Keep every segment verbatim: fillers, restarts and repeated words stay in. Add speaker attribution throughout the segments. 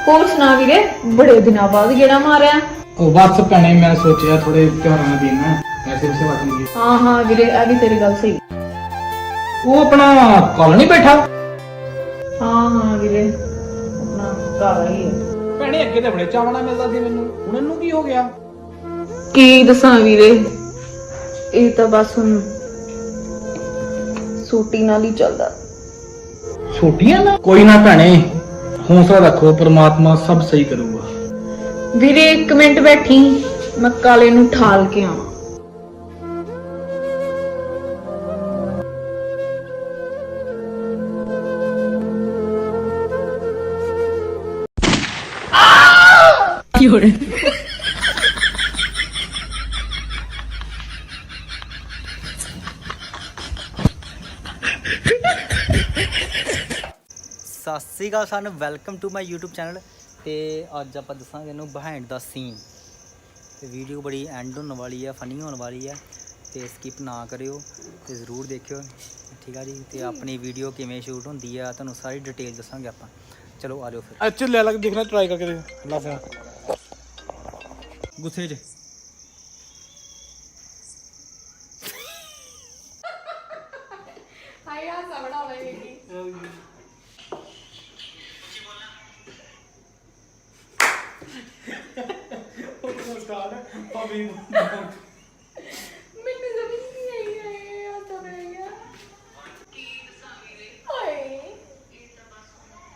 Speaker 1: ਹੋਰ ਸੁਣਾ ਵੀਰੇ, ਬੜੇ ਦਿਨਾਂ ਬਾਅਦ ਗੇੜਾ ਮਾਰਿਆ।
Speaker 2: ਉਹ ਬਸ ਭੈਣੇ ਮੈਂ ਸੋਚਿਆ ਥੋੜੇ ਤਿਉਹਾਰਾਂ ਦਾ ਦਿਨ ਹੈ ਪੈਸੇ ਉਸੇ ਵਟ ਲਈਏ।
Speaker 1: ਹਾਂ ਹਾਂ ਵੀਰੇ, ਇਹ ਵੀ ਤੇਰੀ ਗੱਲ ਸਹੀ।
Speaker 2: ਉਹ ਆਪਣਾ ਕੱਲ ਨਹੀਂ ਬੈਠਾ।
Speaker 1: ਹਾਂ ਹਾਂ ਵੀਰੇ, ਆਪਣਾ ਘਰ ਹੀ ਹੈ।
Speaker 2: ਭੈਣੇ ਅੱਗੇ ਤਾਂ ਬੜੇ ਚਾਵਣਾ ਮਿਲਦਾ ਸੀ ਮੈਨੂੰ, ਹੁਣ ਇਹਨੂੰ ਕੀ ਹੋ ਗਿਆ?
Speaker 1: ਕੀ ਦੱਸਾਂ ਵੀਰੇ, ਇਹ ਤਾਂ ਬਸ ਹੁਣ ਸੂਟੀ ਨਾਲ ਹੀ ਚੱਲਦਾ।
Speaker 2: ਛੋਟੀਆਂ ਨਾ ਕੋਈ ਨਾ ਭੈਣੇ, ਹੌਸਲਾ ਰੱਖੋ, ਪ੍ਰਮਾਤਮਾ ਸਭ ਸਹੀ ਕਰੂਗਾ।
Speaker 1: ਵੀਰੇ ਇੱਕ ਮਿੰਟ ਬੈਠੀ, ਮੈਂ ਕਾਲੇ ਨੂੰ ਠਾਲ ਕੇ ਆਵਾਂ। ਕੀ ਹੋ ਰਿਹਾ?
Speaker 3: ਸਤਿ ਸ਼੍ਰੀ ਅਕਾਲ ਸਾਨੂੰ, welcome to my YouTube channel. ਤੇ ਅੱਜ ਆਪਾਂ ਦੱਸਾਂਗੇ ਇਹਨੂੰ ਬਿਹਾਈਂਡ ਦਾ ਸੀਨ। ਤੇ ਵੀਡੀਓ ਬੜੀ ਐਂਡ ਹੋਣ ਵਾਲੀ ਆ, ਫਨੀ ਹੋਣ ਵਾਲੀ ਆ, ਤੇ ਸਕਿਪ ਨਾ ਕਰਿਓ ਤੇ ਜ਼ਰੂਰ ਦੇਖਿਓ, ਠੀਕ ਆ ਜੀ। ਤੇ ਆਪਣੀ ਵੀਡੀਓ ਕਿਵੇਂ ਸ਼ੂਟ ਹੁੰਦੀ ਆ ਤੁਹਾਨੂੰ ਸਾਰੀ ਡਿਟੇਲ ਦੱਸਾਂਗੇ ਆਪਾਂ। ਚਲੋ ਆ ਜਾਓ ਫਿਰ।
Speaker 2: ਅੱਛਾ ਲੈ ਲਾ ਕੇ ਦੇਖਣਾ, ਟਰਾਈ ਕਰਕੇ ਦੇਖ ਲਾ ਫੋਨ
Speaker 3: ਗੁੱਸੇ 'ਚ
Speaker 1: ਹਾਏ ਆ ਸਵੜਾ ਹੋਵੇ ਜੀ। ਮੈਨੂੰ ਸਮਝ ਨਹੀਂ ਆਈ ਹੈ ਆ ਤਾਂ ਰਹੇਗਾ। ਕੀ ਦੱਸਾਂ ਵੀਰੇ, ਹਾਏ ਇਹ ਤਾਂ ਬਸ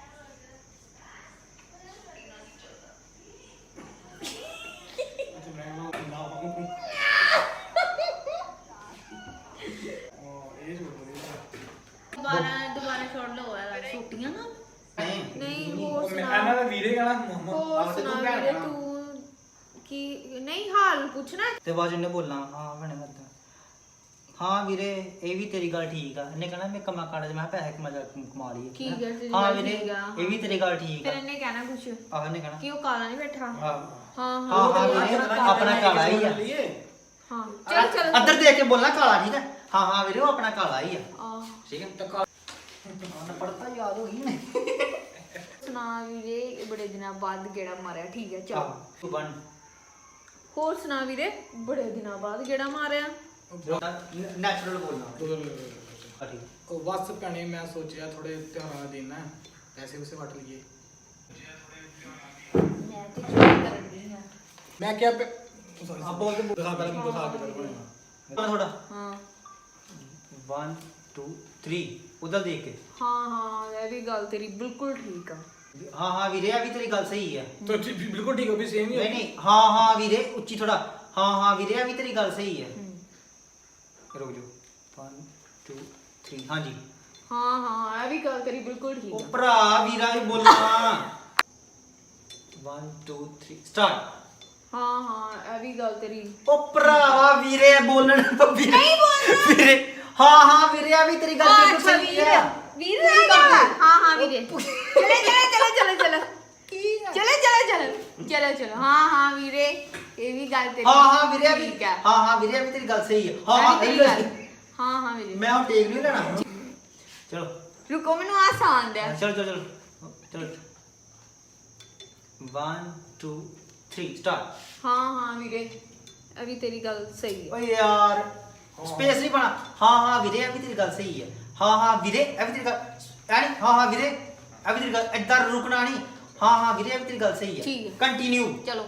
Speaker 1: ਦੁਬਾਰਾ ਦੁਬਾਰਾ ਛੋੜ ਲਓ ਯਾਰ, ਛੁੱਟੀਆਂ ਨਾ ਨਹੀਂ। ਹੋਰ ਸੁਣਾ,
Speaker 2: ਇਹਨਾਂ ਦਾ ਵੀਰੇ ਕਹਿਣਾ
Speaker 1: ਹੋਰ ਸੁਣਾ ਵੀਰੇ, ਤੂੰ ਕੀ ਨਹੀਂ ਹਾਲ ਪੁੱਛਣਾ।
Speaker 3: ਤੇ ਬਾਅਦ 'ਚ ਇਹਨੇ ਬੋਲਣਾ ਹਾਂ ਭੈਣੇ ਮੈਂ ਹਾਂ ਵੀਰੇ ਇਹ ਵੀ ਤੇਰੀ ਗੱਲ ਠੀਕ ਆ। ਇਹਨੇ ਕਹਿਣਾ ਮੈਂ ਕਮਾ ਕਾੜਾ 'ਚ ਮੈਂ ਪੈਸੇ ਕਮਾ ਜਾ ਕਮਾ ਲਈਏ।
Speaker 1: ਠੀਕ ਹੈ, ਤੇਰੀ
Speaker 3: ਹਾਂ
Speaker 1: ਗੱਲ
Speaker 3: ਵੀਰੇ
Speaker 1: ਠੀਕ ਆ।
Speaker 3: ਇਹ ਵੀ ਤੇਰੀ ਗੱਲ ਠੀਕ
Speaker 1: ਫਿਰ
Speaker 3: ਆ।
Speaker 1: ਇਹਨੇ ਕਹਿਣਾ ਕੁਛ
Speaker 3: ਆਹ ਇਹਨੇ ਕਹਿਣਾ
Speaker 1: ਕਿ ਉਹ ਕਾਲਾ ਨਹੀਂ ਬੈਠਾ।
Speaker 3: ਹਾਂ
Speaker 1: ਹਾਂ
Speaker 3: ਹਾਂ
Speaker 1: ਹਾਂ
Speaker 3: ਹਾਂ ਵੀਰੇ ਆਪਣਾ ਕਾਲਾ ਹੀ ਆ।
Speaker 1: ਹਾਂ ਚੱਲ ਚੱਲ
Speaker 3: ਅੰਦਰ ਦੇਖ ਕੇ ਬੋਲਣਾ ਕਾਲਾ, ਠੀਕ ਹੈ। ਹਾਂ ਹਾਂ ਵੀਰੇ ਉਹ ਆਪਣਾ ਕਾਲਾ ਹੀ ਆ,
Speaker 1: ਆਹ
Speaker 3: ਠੀਕ ਹੈ। ਹਾਂ ਪੜਤਾ ਯਾਦ ਹੋ ਗਈ ਨੇ।
Speaker 1: ਸੁਣਾ ਵੀਰੇ, ਬੜੇ ਦਿਨਾਂ ਬਾਅਦ ਗੇੜਾ ਮਾਰਿਆ। ਠੀਕ ਹੈ ਚੱਲ।
Speaker 3: ਤੂੰ ਬਣ
Speaker 1: ਹੋਰ ਸੁਣਾ ਵੀਰੇ, ਬੜੇ ਦਿਨਾਂ ਬਾਅਦ ਗੇੜਾ ਮਾਰਿਆ।
Speaker 3: ਨੈਚੁਰਲ ਬੋਲਣਾ।
Speaker 2: ਉਹ ਬਸ ਭੈਣੇ ਮੈਂ ਸੋਚਿਆ ਥੋੜੇ ਤਿਉਹਾਰਾਂ ਦਾ ਦਿਨ ਹੈ ਪੈਸੇ ਉਸੇ ਵਟ ਲਈਏ।
Speaker 1: ਮੈਂ ਤੇ ਚੁੱਪ ਕਰਨ ਦੀ ਹਾਂ।
Speaker 2: ਮੈਂ ਕਿਹਾ ਆ ਬੋਲ ਕੇ ਦਿਖਾ ਪਹਿਲਾਂ ਮੈਨੂੰ ਦਿਖਾ ਕੇ ਕਰਵਾਉਣਾ
Speaker 3: ਥੋੜਾ
Speaker 1: ਹਾਂ
Speaker 3: one two three ਉਧਰ ਦੇਖ ਕੇ।
Speaker 1: ਹਾਂ ਹਾਂ ਇਹ ਵੀ ਗੱਲ ਤੇਰੀ ਬਿਲਕੁਲ ਠੀਕ ਆ।
Speaker 3: ਹਾਂ ਹਾਂ ਵੀਰੇ ਆ ਵੀ ਤੇਰੀ ਗੱਲ ਸਹੀ ਹੈ।
Speaker 2: ਤਾਂ ਬਿਲਕੁਲ ਠੀਕ ਹੋ ਵੀ ਸੇਮ ਹੀ
Speaker 3: ਨਹੀਂ ਨਹੀਂ ਹਾਂ ਹਾਂ ਵੀਰੇ ਉੱਚੀ ਥੋੜਾ। ਹਾਂ ਹਾਂ ਵੀਰੇ ਆ ਵੀ ਤੇਰੀ ਗੱਲ ਸਹੀ ਹੈ। ਰੁਕ ਜਾਓ one two three ਹਾਂਜੀ
Speaker 1: ਹਾਂ ਹਾਂ ਇਹ ਵੀ ਗੱਲ ਤੇਰੀ ਬਿਲਕੁਲ ਠੀਕ
Speaker 3: ਉਹ
Speaker 1: ਆ।
Speaker 3: ਭਰਾ ਵੀਰਾ ਵੀ ਬੋਲਣਾ one two three start।
Speaker 1: ਹਾਂ ਹਾਂ ਇਹ ਵੀ ਗੱਲ ਤੇਰੀ।
Speaker 3: ਉਹ ਭਰਾਵਾ ਵੀਰੇ ਬੋਲਣ ਨਹੀਂ ਬੋਲਣਾ ਵੀਰੇ। ਹਾਂ ਹਾਂ ਵੀਰੇ ਆ ਵੀ ਤੇਰੀ ਗੱਲ ਬਿਲਕੁਲ ਸਹੀ ਹੈ।
Speaker 1: ਵੀਰ ਹਾਂ ਹਾਂ ਵੀਰੇ ਚਲੇ ਚਲੇ ਚਲੇ ਚਲੇ ਚਲੇ ਚਲੇ ਚਲੇ ਚਲੇ ਚਲੇ ਚਲੋ। ਹਾਂ ਹਾਂ ਵੀਰੇ ਇਹ ਵੀ ਗੱਲ ਤੇਰੀ।
Speaker 3: ਹਾਂ ਹਾਂ ਵੀਰੇ ਆ ਵੀ
Speaker 1: ਠੀਕ ਆ।
Speaker 3: ਹਾਂ ਹਾਂ ਵੀਰੇ ਆ ਵੀ ਤੇਰੀ ਗੱਲ ਸਹੀ ਹੈ। ਹਾਂ
Speaker 1: ਇਹ
Speaker 3: ਹਾਂ
Speaker 1: ਵੀ ਤੇਰੀ
Speaker 3: ਤੇਰੀ
Speaker 1: ਗੱਲ।
Speaker 3: ਗੱਲ।
Speaker 1: ਹਾਂ ਹਾਂ ਵੀਰੇ
Speaker 3: ਮੈਂ ਹੁਣ ਟੇਕ ਨਹੀਂ ਲੈਣਾ। ਚਲੋ
Speaker 1: ਰੁਕੋ ਮੈਨੂੰ ਆਸਾਨ ਦਿਆ।
Speaker 3: ਚਲੋ ਚਲੋ ਚਲੋ ਚਲੋ one two three start।
Speaker 1: ਹਾਂ ਹਾਂ ਵੀਰੇ ਇਹ ਵੀ ਤੇਰੀ ਗੱਲ ਸਹੀ ਹੈ।
Speaker 3: ਓਏ ਯਾਰ ਸਪੇਸ ਨਹੀਂ ਬਣਾ। ਹਾਂ ਹਾਂ ਵੀਰੇ ਇਹ ਵੀ ਤੇਰੀ ਗੱਲ ਸਹੀ ਹੈ। ਹਾਂ ਹਾਂ ਵੀਰੇ ਇਹ ਵੀ ਤੇਰੀ ਗੱਲ ਯਾਨੀ ਹਾਂ ਹਾਂ ਵੀਰੇ ਇਹ ਵੀ ਤੇਰੀ ਗੱਲ ਇੱਧਰ ਰੁਕਣਾ ਨਹੀਂ। ਹਾਂ ਹਾਂ ਵੀਰੇ ਇਹ ਵੀ ਤੇਰੀ ਗੱਲ ਸਹੀ ਹੈ।
Speaker 1: ਠੀਕ ਹੈ
Speaker 3: ਕੰਟੀਨਿਊ।
Speaker 1: ਚਲੋ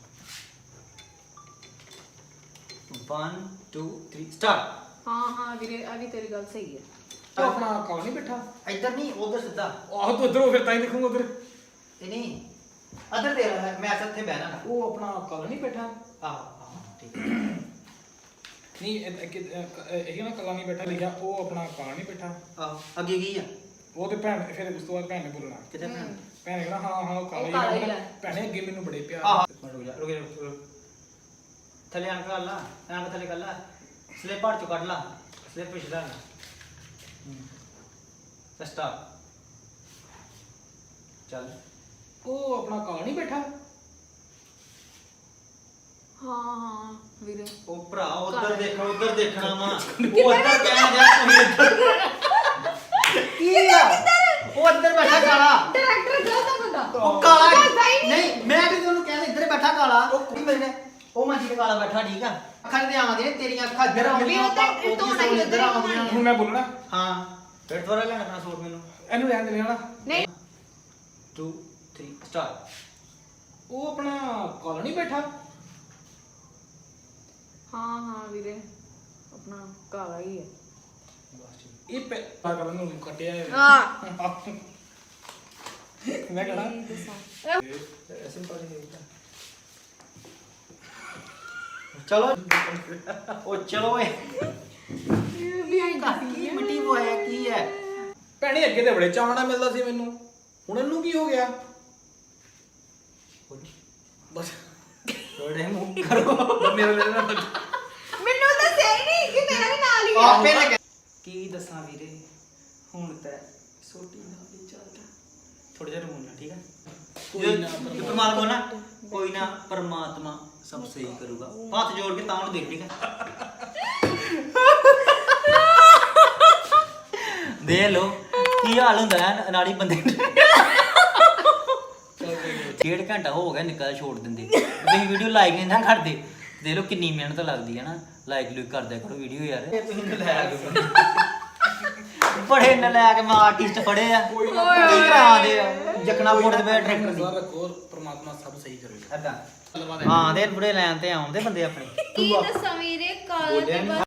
Speaker 3: one two three start।
Speaker 1: ਹਾਂ ਹਾਂ ਵੀਰੇ ਇਹ ਵੀ ਤੇਰੀ ਗੱਲ ਸਹੀ ਹੈ।
Speaker 2: ਤੂੰ ਆਪਣਾ ਕਾਲ ਨਹੀਂ ਬੈਠਾ।
Speaker 3: ਇੱਧਰ ਨਹੀਂ ਉਧਰ ਸਿੱਧਾ।
Speaker 2: ਆਹ ਤੂੰ ਇੱਧਰ ਫਿਰ ਤਾਂ ਹੀ ਦੇਖੂੰਗਾ ਉਧਰ।
Speaker 3: ਇਹ ਨਹੀਂ ਅਦਰ ਦੇ ਰਿਹਾ ਮੈਂ ਇੱਥੇ ਬਹਿਣਾ।
Speaker 2: ਉਹ ਆਪਣਾ ਕਾਲ ਨਹੀਂ ਬੈਠਾ।
Speaker 3: ਆਹ ਆਹ ਠੀਕ ਹੈ।
Speaker 2: ਨਹੀਂ ਇਹ ਨਾ ਕਾਲਾ ਨਹੀਂ ਬੈਠਾ ਲਿਖਿਆ, ਉਹ ਆਪਣਾ ਕਾਲ ਨਹੀਂ ਬੈਠਾ।
Speaker 3: ਆਹ ਅੱਗੇ ਕੀ ਆ?
Speaker 2: ਉਹ ਤੇ ਭੈਣ ਫਿਰ ਉਸ ਤੋਂ ਬਾਅਦ ਭੈਣ ਨੇ ਬੋਲਣਾ।
Speaker 3: ਕਿਤੇ ਭੈਣ
Speaker 2: ਭੈਣ ਨੇ ਕਹਿਣਾ ਹਾਂ ਹਾਂ ਉਹ ਕਾਲਾ
Speaker 1: ਉਹ ਕਾਲਾ
Speaker 2: ਹੀ
Speaker 1: ਹੀ
Speaker 2: ਆ।
Speaker 1: ਹੈ।
Speaker 2: ਭੈਣੇ ਅੱਗੇ ਮੈਨੂੰ ਬੜੇ ਪਿਆਰ।
Speaker 3: ਆਹ ਰੁਕ ਜਾ ਰੁਕ ਜਾ ਰੁਕ। ਥੱਲੇ ਆਣ ਕਰ ਲਾ, ਆਣ ਥੱਲੇ ਕਰ ਲਾ, ਸਲਿੱਪ ਹੱਥ ਚੋਂ ਕੱਢ ਲਾ, ਸਲਿੱਪ ਪਿਛਲਾ ਲਾ। ਸਟਾਪ ਚੱਲ।
Speaker 2: ਉਹ ਆਪਣਾ ਕਾਲ ਨਹੀਂ ਬੈਠਾ।
Speaker 1: ਹਾਂ ਹਾਂ ਵੀਰੇ
Speaker 3: ਉਹ ਭਰਾ ਉਧਰ ਦੇਖੋ, ਉਧਰ ਦੇਖਣਾ ਵਾ। ਉਹ ਉਧਰ ਕਹਿਣ ਗਿਆ ਤੁਸੀਂ ਇੱਧਰ ਕੀ ਆ? ਉਹ ਅੰਦਰ ਬੈਠਾ ਕਾਲਾ
Speaker 1: ਡਾਇਰੈਕਟਰ ਗਲਤ ਬੰਦਾ।
Speaker 3: ਉਹ ਕਾਲਾ ਉਹ ਕੁੜੀ ਮੇਰੇ ਉਹ ਮੰਜੀ ਤੇ ਕਾਲਾ ਬੈਠਾ ਠੀਕ ਆ ਅੱਖਾਂ ਤੇ ਆਉਂਦੀਆਂ ਤੇਰੀਆਂ ਅੱਖਾਂ ਇੱਧਰ
Speaker 1: ਵੀ
Speaker 3: ਆਉਂਦੀਆਂ
Speaker 1: ਉਹ ਤਾਂ ਧੋਣਾ ਹੀ
Speaker 3: ਇੱਧਰ ਆਉਂਦੀਆਂ
Speaker 2: ਹੁਣ ਮੈਂ ਬੋਲਣਾ
Speaker 3: ਹਾਂ ਫਿਰ ਦੁਬਾਰਾ ਲੈਣਾ ਆਪਣਾ ਸੂਟ ਮੈਨੂੰ
Speaker 2: ਇਹਨੂੰ ਰਹਿਣ ਦੇ ਨਾ
Speaker 1: ਨਹੀਂ
Speaker 3: two three ਸਟਾਰਟ
Speaker 2: ਉਹ ਆਪਣਾ ਕਾਲ ਨਹੀਂ ਬੈਠਾ
Speaker 1: ਹਾਂ ਹਾਂ ਵੀਰੇ ਆਪਣਾ ਕਾਲਾ ਹੀ ਹੈ
Speaker 2: ਇਹ ਪੈ ਪਾਗਲ ਨੂੰ ਕੱਟਿਆ ਹੈ
Speaker 1: ਹਾਂ
Speaker 2: ਮੈਂ ਕਹਣਾ
Speaker 3: ਸਿੰਪਲ ਹੀ ਹੈ ਚਲੋ ਉਹ ਚਲੋ ਓਏ ਕੀ ਮਿੱਟੀ ਪੋਇਆ ਕੀ ਹੈ
Speaker 2: ਭੈਣੇ ਅੱਗੇ ਤੇ ਬੜੇ ਚਾਵਣਾ ਮਿਲਦਾ ਸੀ ਮੈਨੂੰ ਹੁਣ ਇਹਨੂੰ ਕੀ ਹੋ ਗਿਆ ਬਸ
Speaker 3: ਥੋੜੇ ਮੂੰਹ ਕਰੋ
Speaker 2: ਮੇਰੇ ਮੇਰੇ ਨਾਲ
Speaker 1: ਮੈਨੂੰ ਤਾਂ ਸਹੀ ਨਹੀਂ ਕਿ ਮੇਰਾ ਵੀ ਨਾਲ ਹੀ
Speaker 3: ਆਪੇ ਲੱਗੇ ਕੀ ਦੱਸਾਂ ਵੀਰੇ ਹੁਣ ਤਾਂ ਛੋਟੀ ਨਾਲ ਹੀ ਚੱਲਦਾ ਥੋੜਾ ਜਿਹਾ ਰੋਣਾ ਠੀਕ ਹੈ
Speaker 2: ਕੋਈ ਨਾ,
Speaker 3: ਪਰਮਾਤਮਾ ਕੋ ਨਾ ਕੋਈ ਨਾ ਪਰਮਾਤਮਾ ਸਭ ਸਹੀ ਕਰੂਗਾ ਹੱਥ ਜੋੜ ਕੇ ਤਾਂ ਉਹਨੂੰ ਦੇਖ ਠੀਕ ਹੈ ਦੇ ਲੋ ਕੀ ਹਾਲ ਹੁੰਦਾ ਹੈ ਅਨਾੜੀ ਬੰਦੇ ਡੇਢ ਘੰਟਾ ਹੋ ਗਿਆ ਨਿਕਲ ਛੋੜ ਦਿੰਦੇ ਤੁਸੀਂ ਵੀਡੀਓ ਲਾਈਕ ਨਹੀਂ ਨਾ ਕਰਦੇ ਦੇ ਲੋ ਕਿੰਨੀ ਮਿਹਨਤ ਲੱਗਦੀ ਹੈ ਨਾ ਲਾਈਕ ਲੁਕ ਕਰਦਿਆ ਕਰੋ ਵੀਡੀਓ ਯਾਰ ਤੁਸੀਂ ਨਲਾਇਕ ਬੜੇ ਨਲਾਇਕ ਮੈਂ ਆਰਟਿਸਟ ਫੜੇ ਆ ਕੀ ਕਰਾ ਦੇ ਜਕਣਾ ਬੋਰਡ ਤੇ ਡਾਇਰੈਕਟਰ ਦੀ
Speaker 2: ਰੱਖੋ ਪਰਮਾਤਮਾ ਸਭ ਸਹੀ ਕਰੇਗਾ
Speaker 3: ਏਦਾਂ ਹਾਂ ਦੇ ਬੁੜੇ ਲੈਣ ਤੇ ਆਉਂਦੇ ਬੰਦੇ ਆਪਣੇ
Speaker 1: ਕੀ ਦੱਸਾਂ ਵੀਰੇ ਕਾਲਾ ਤੇ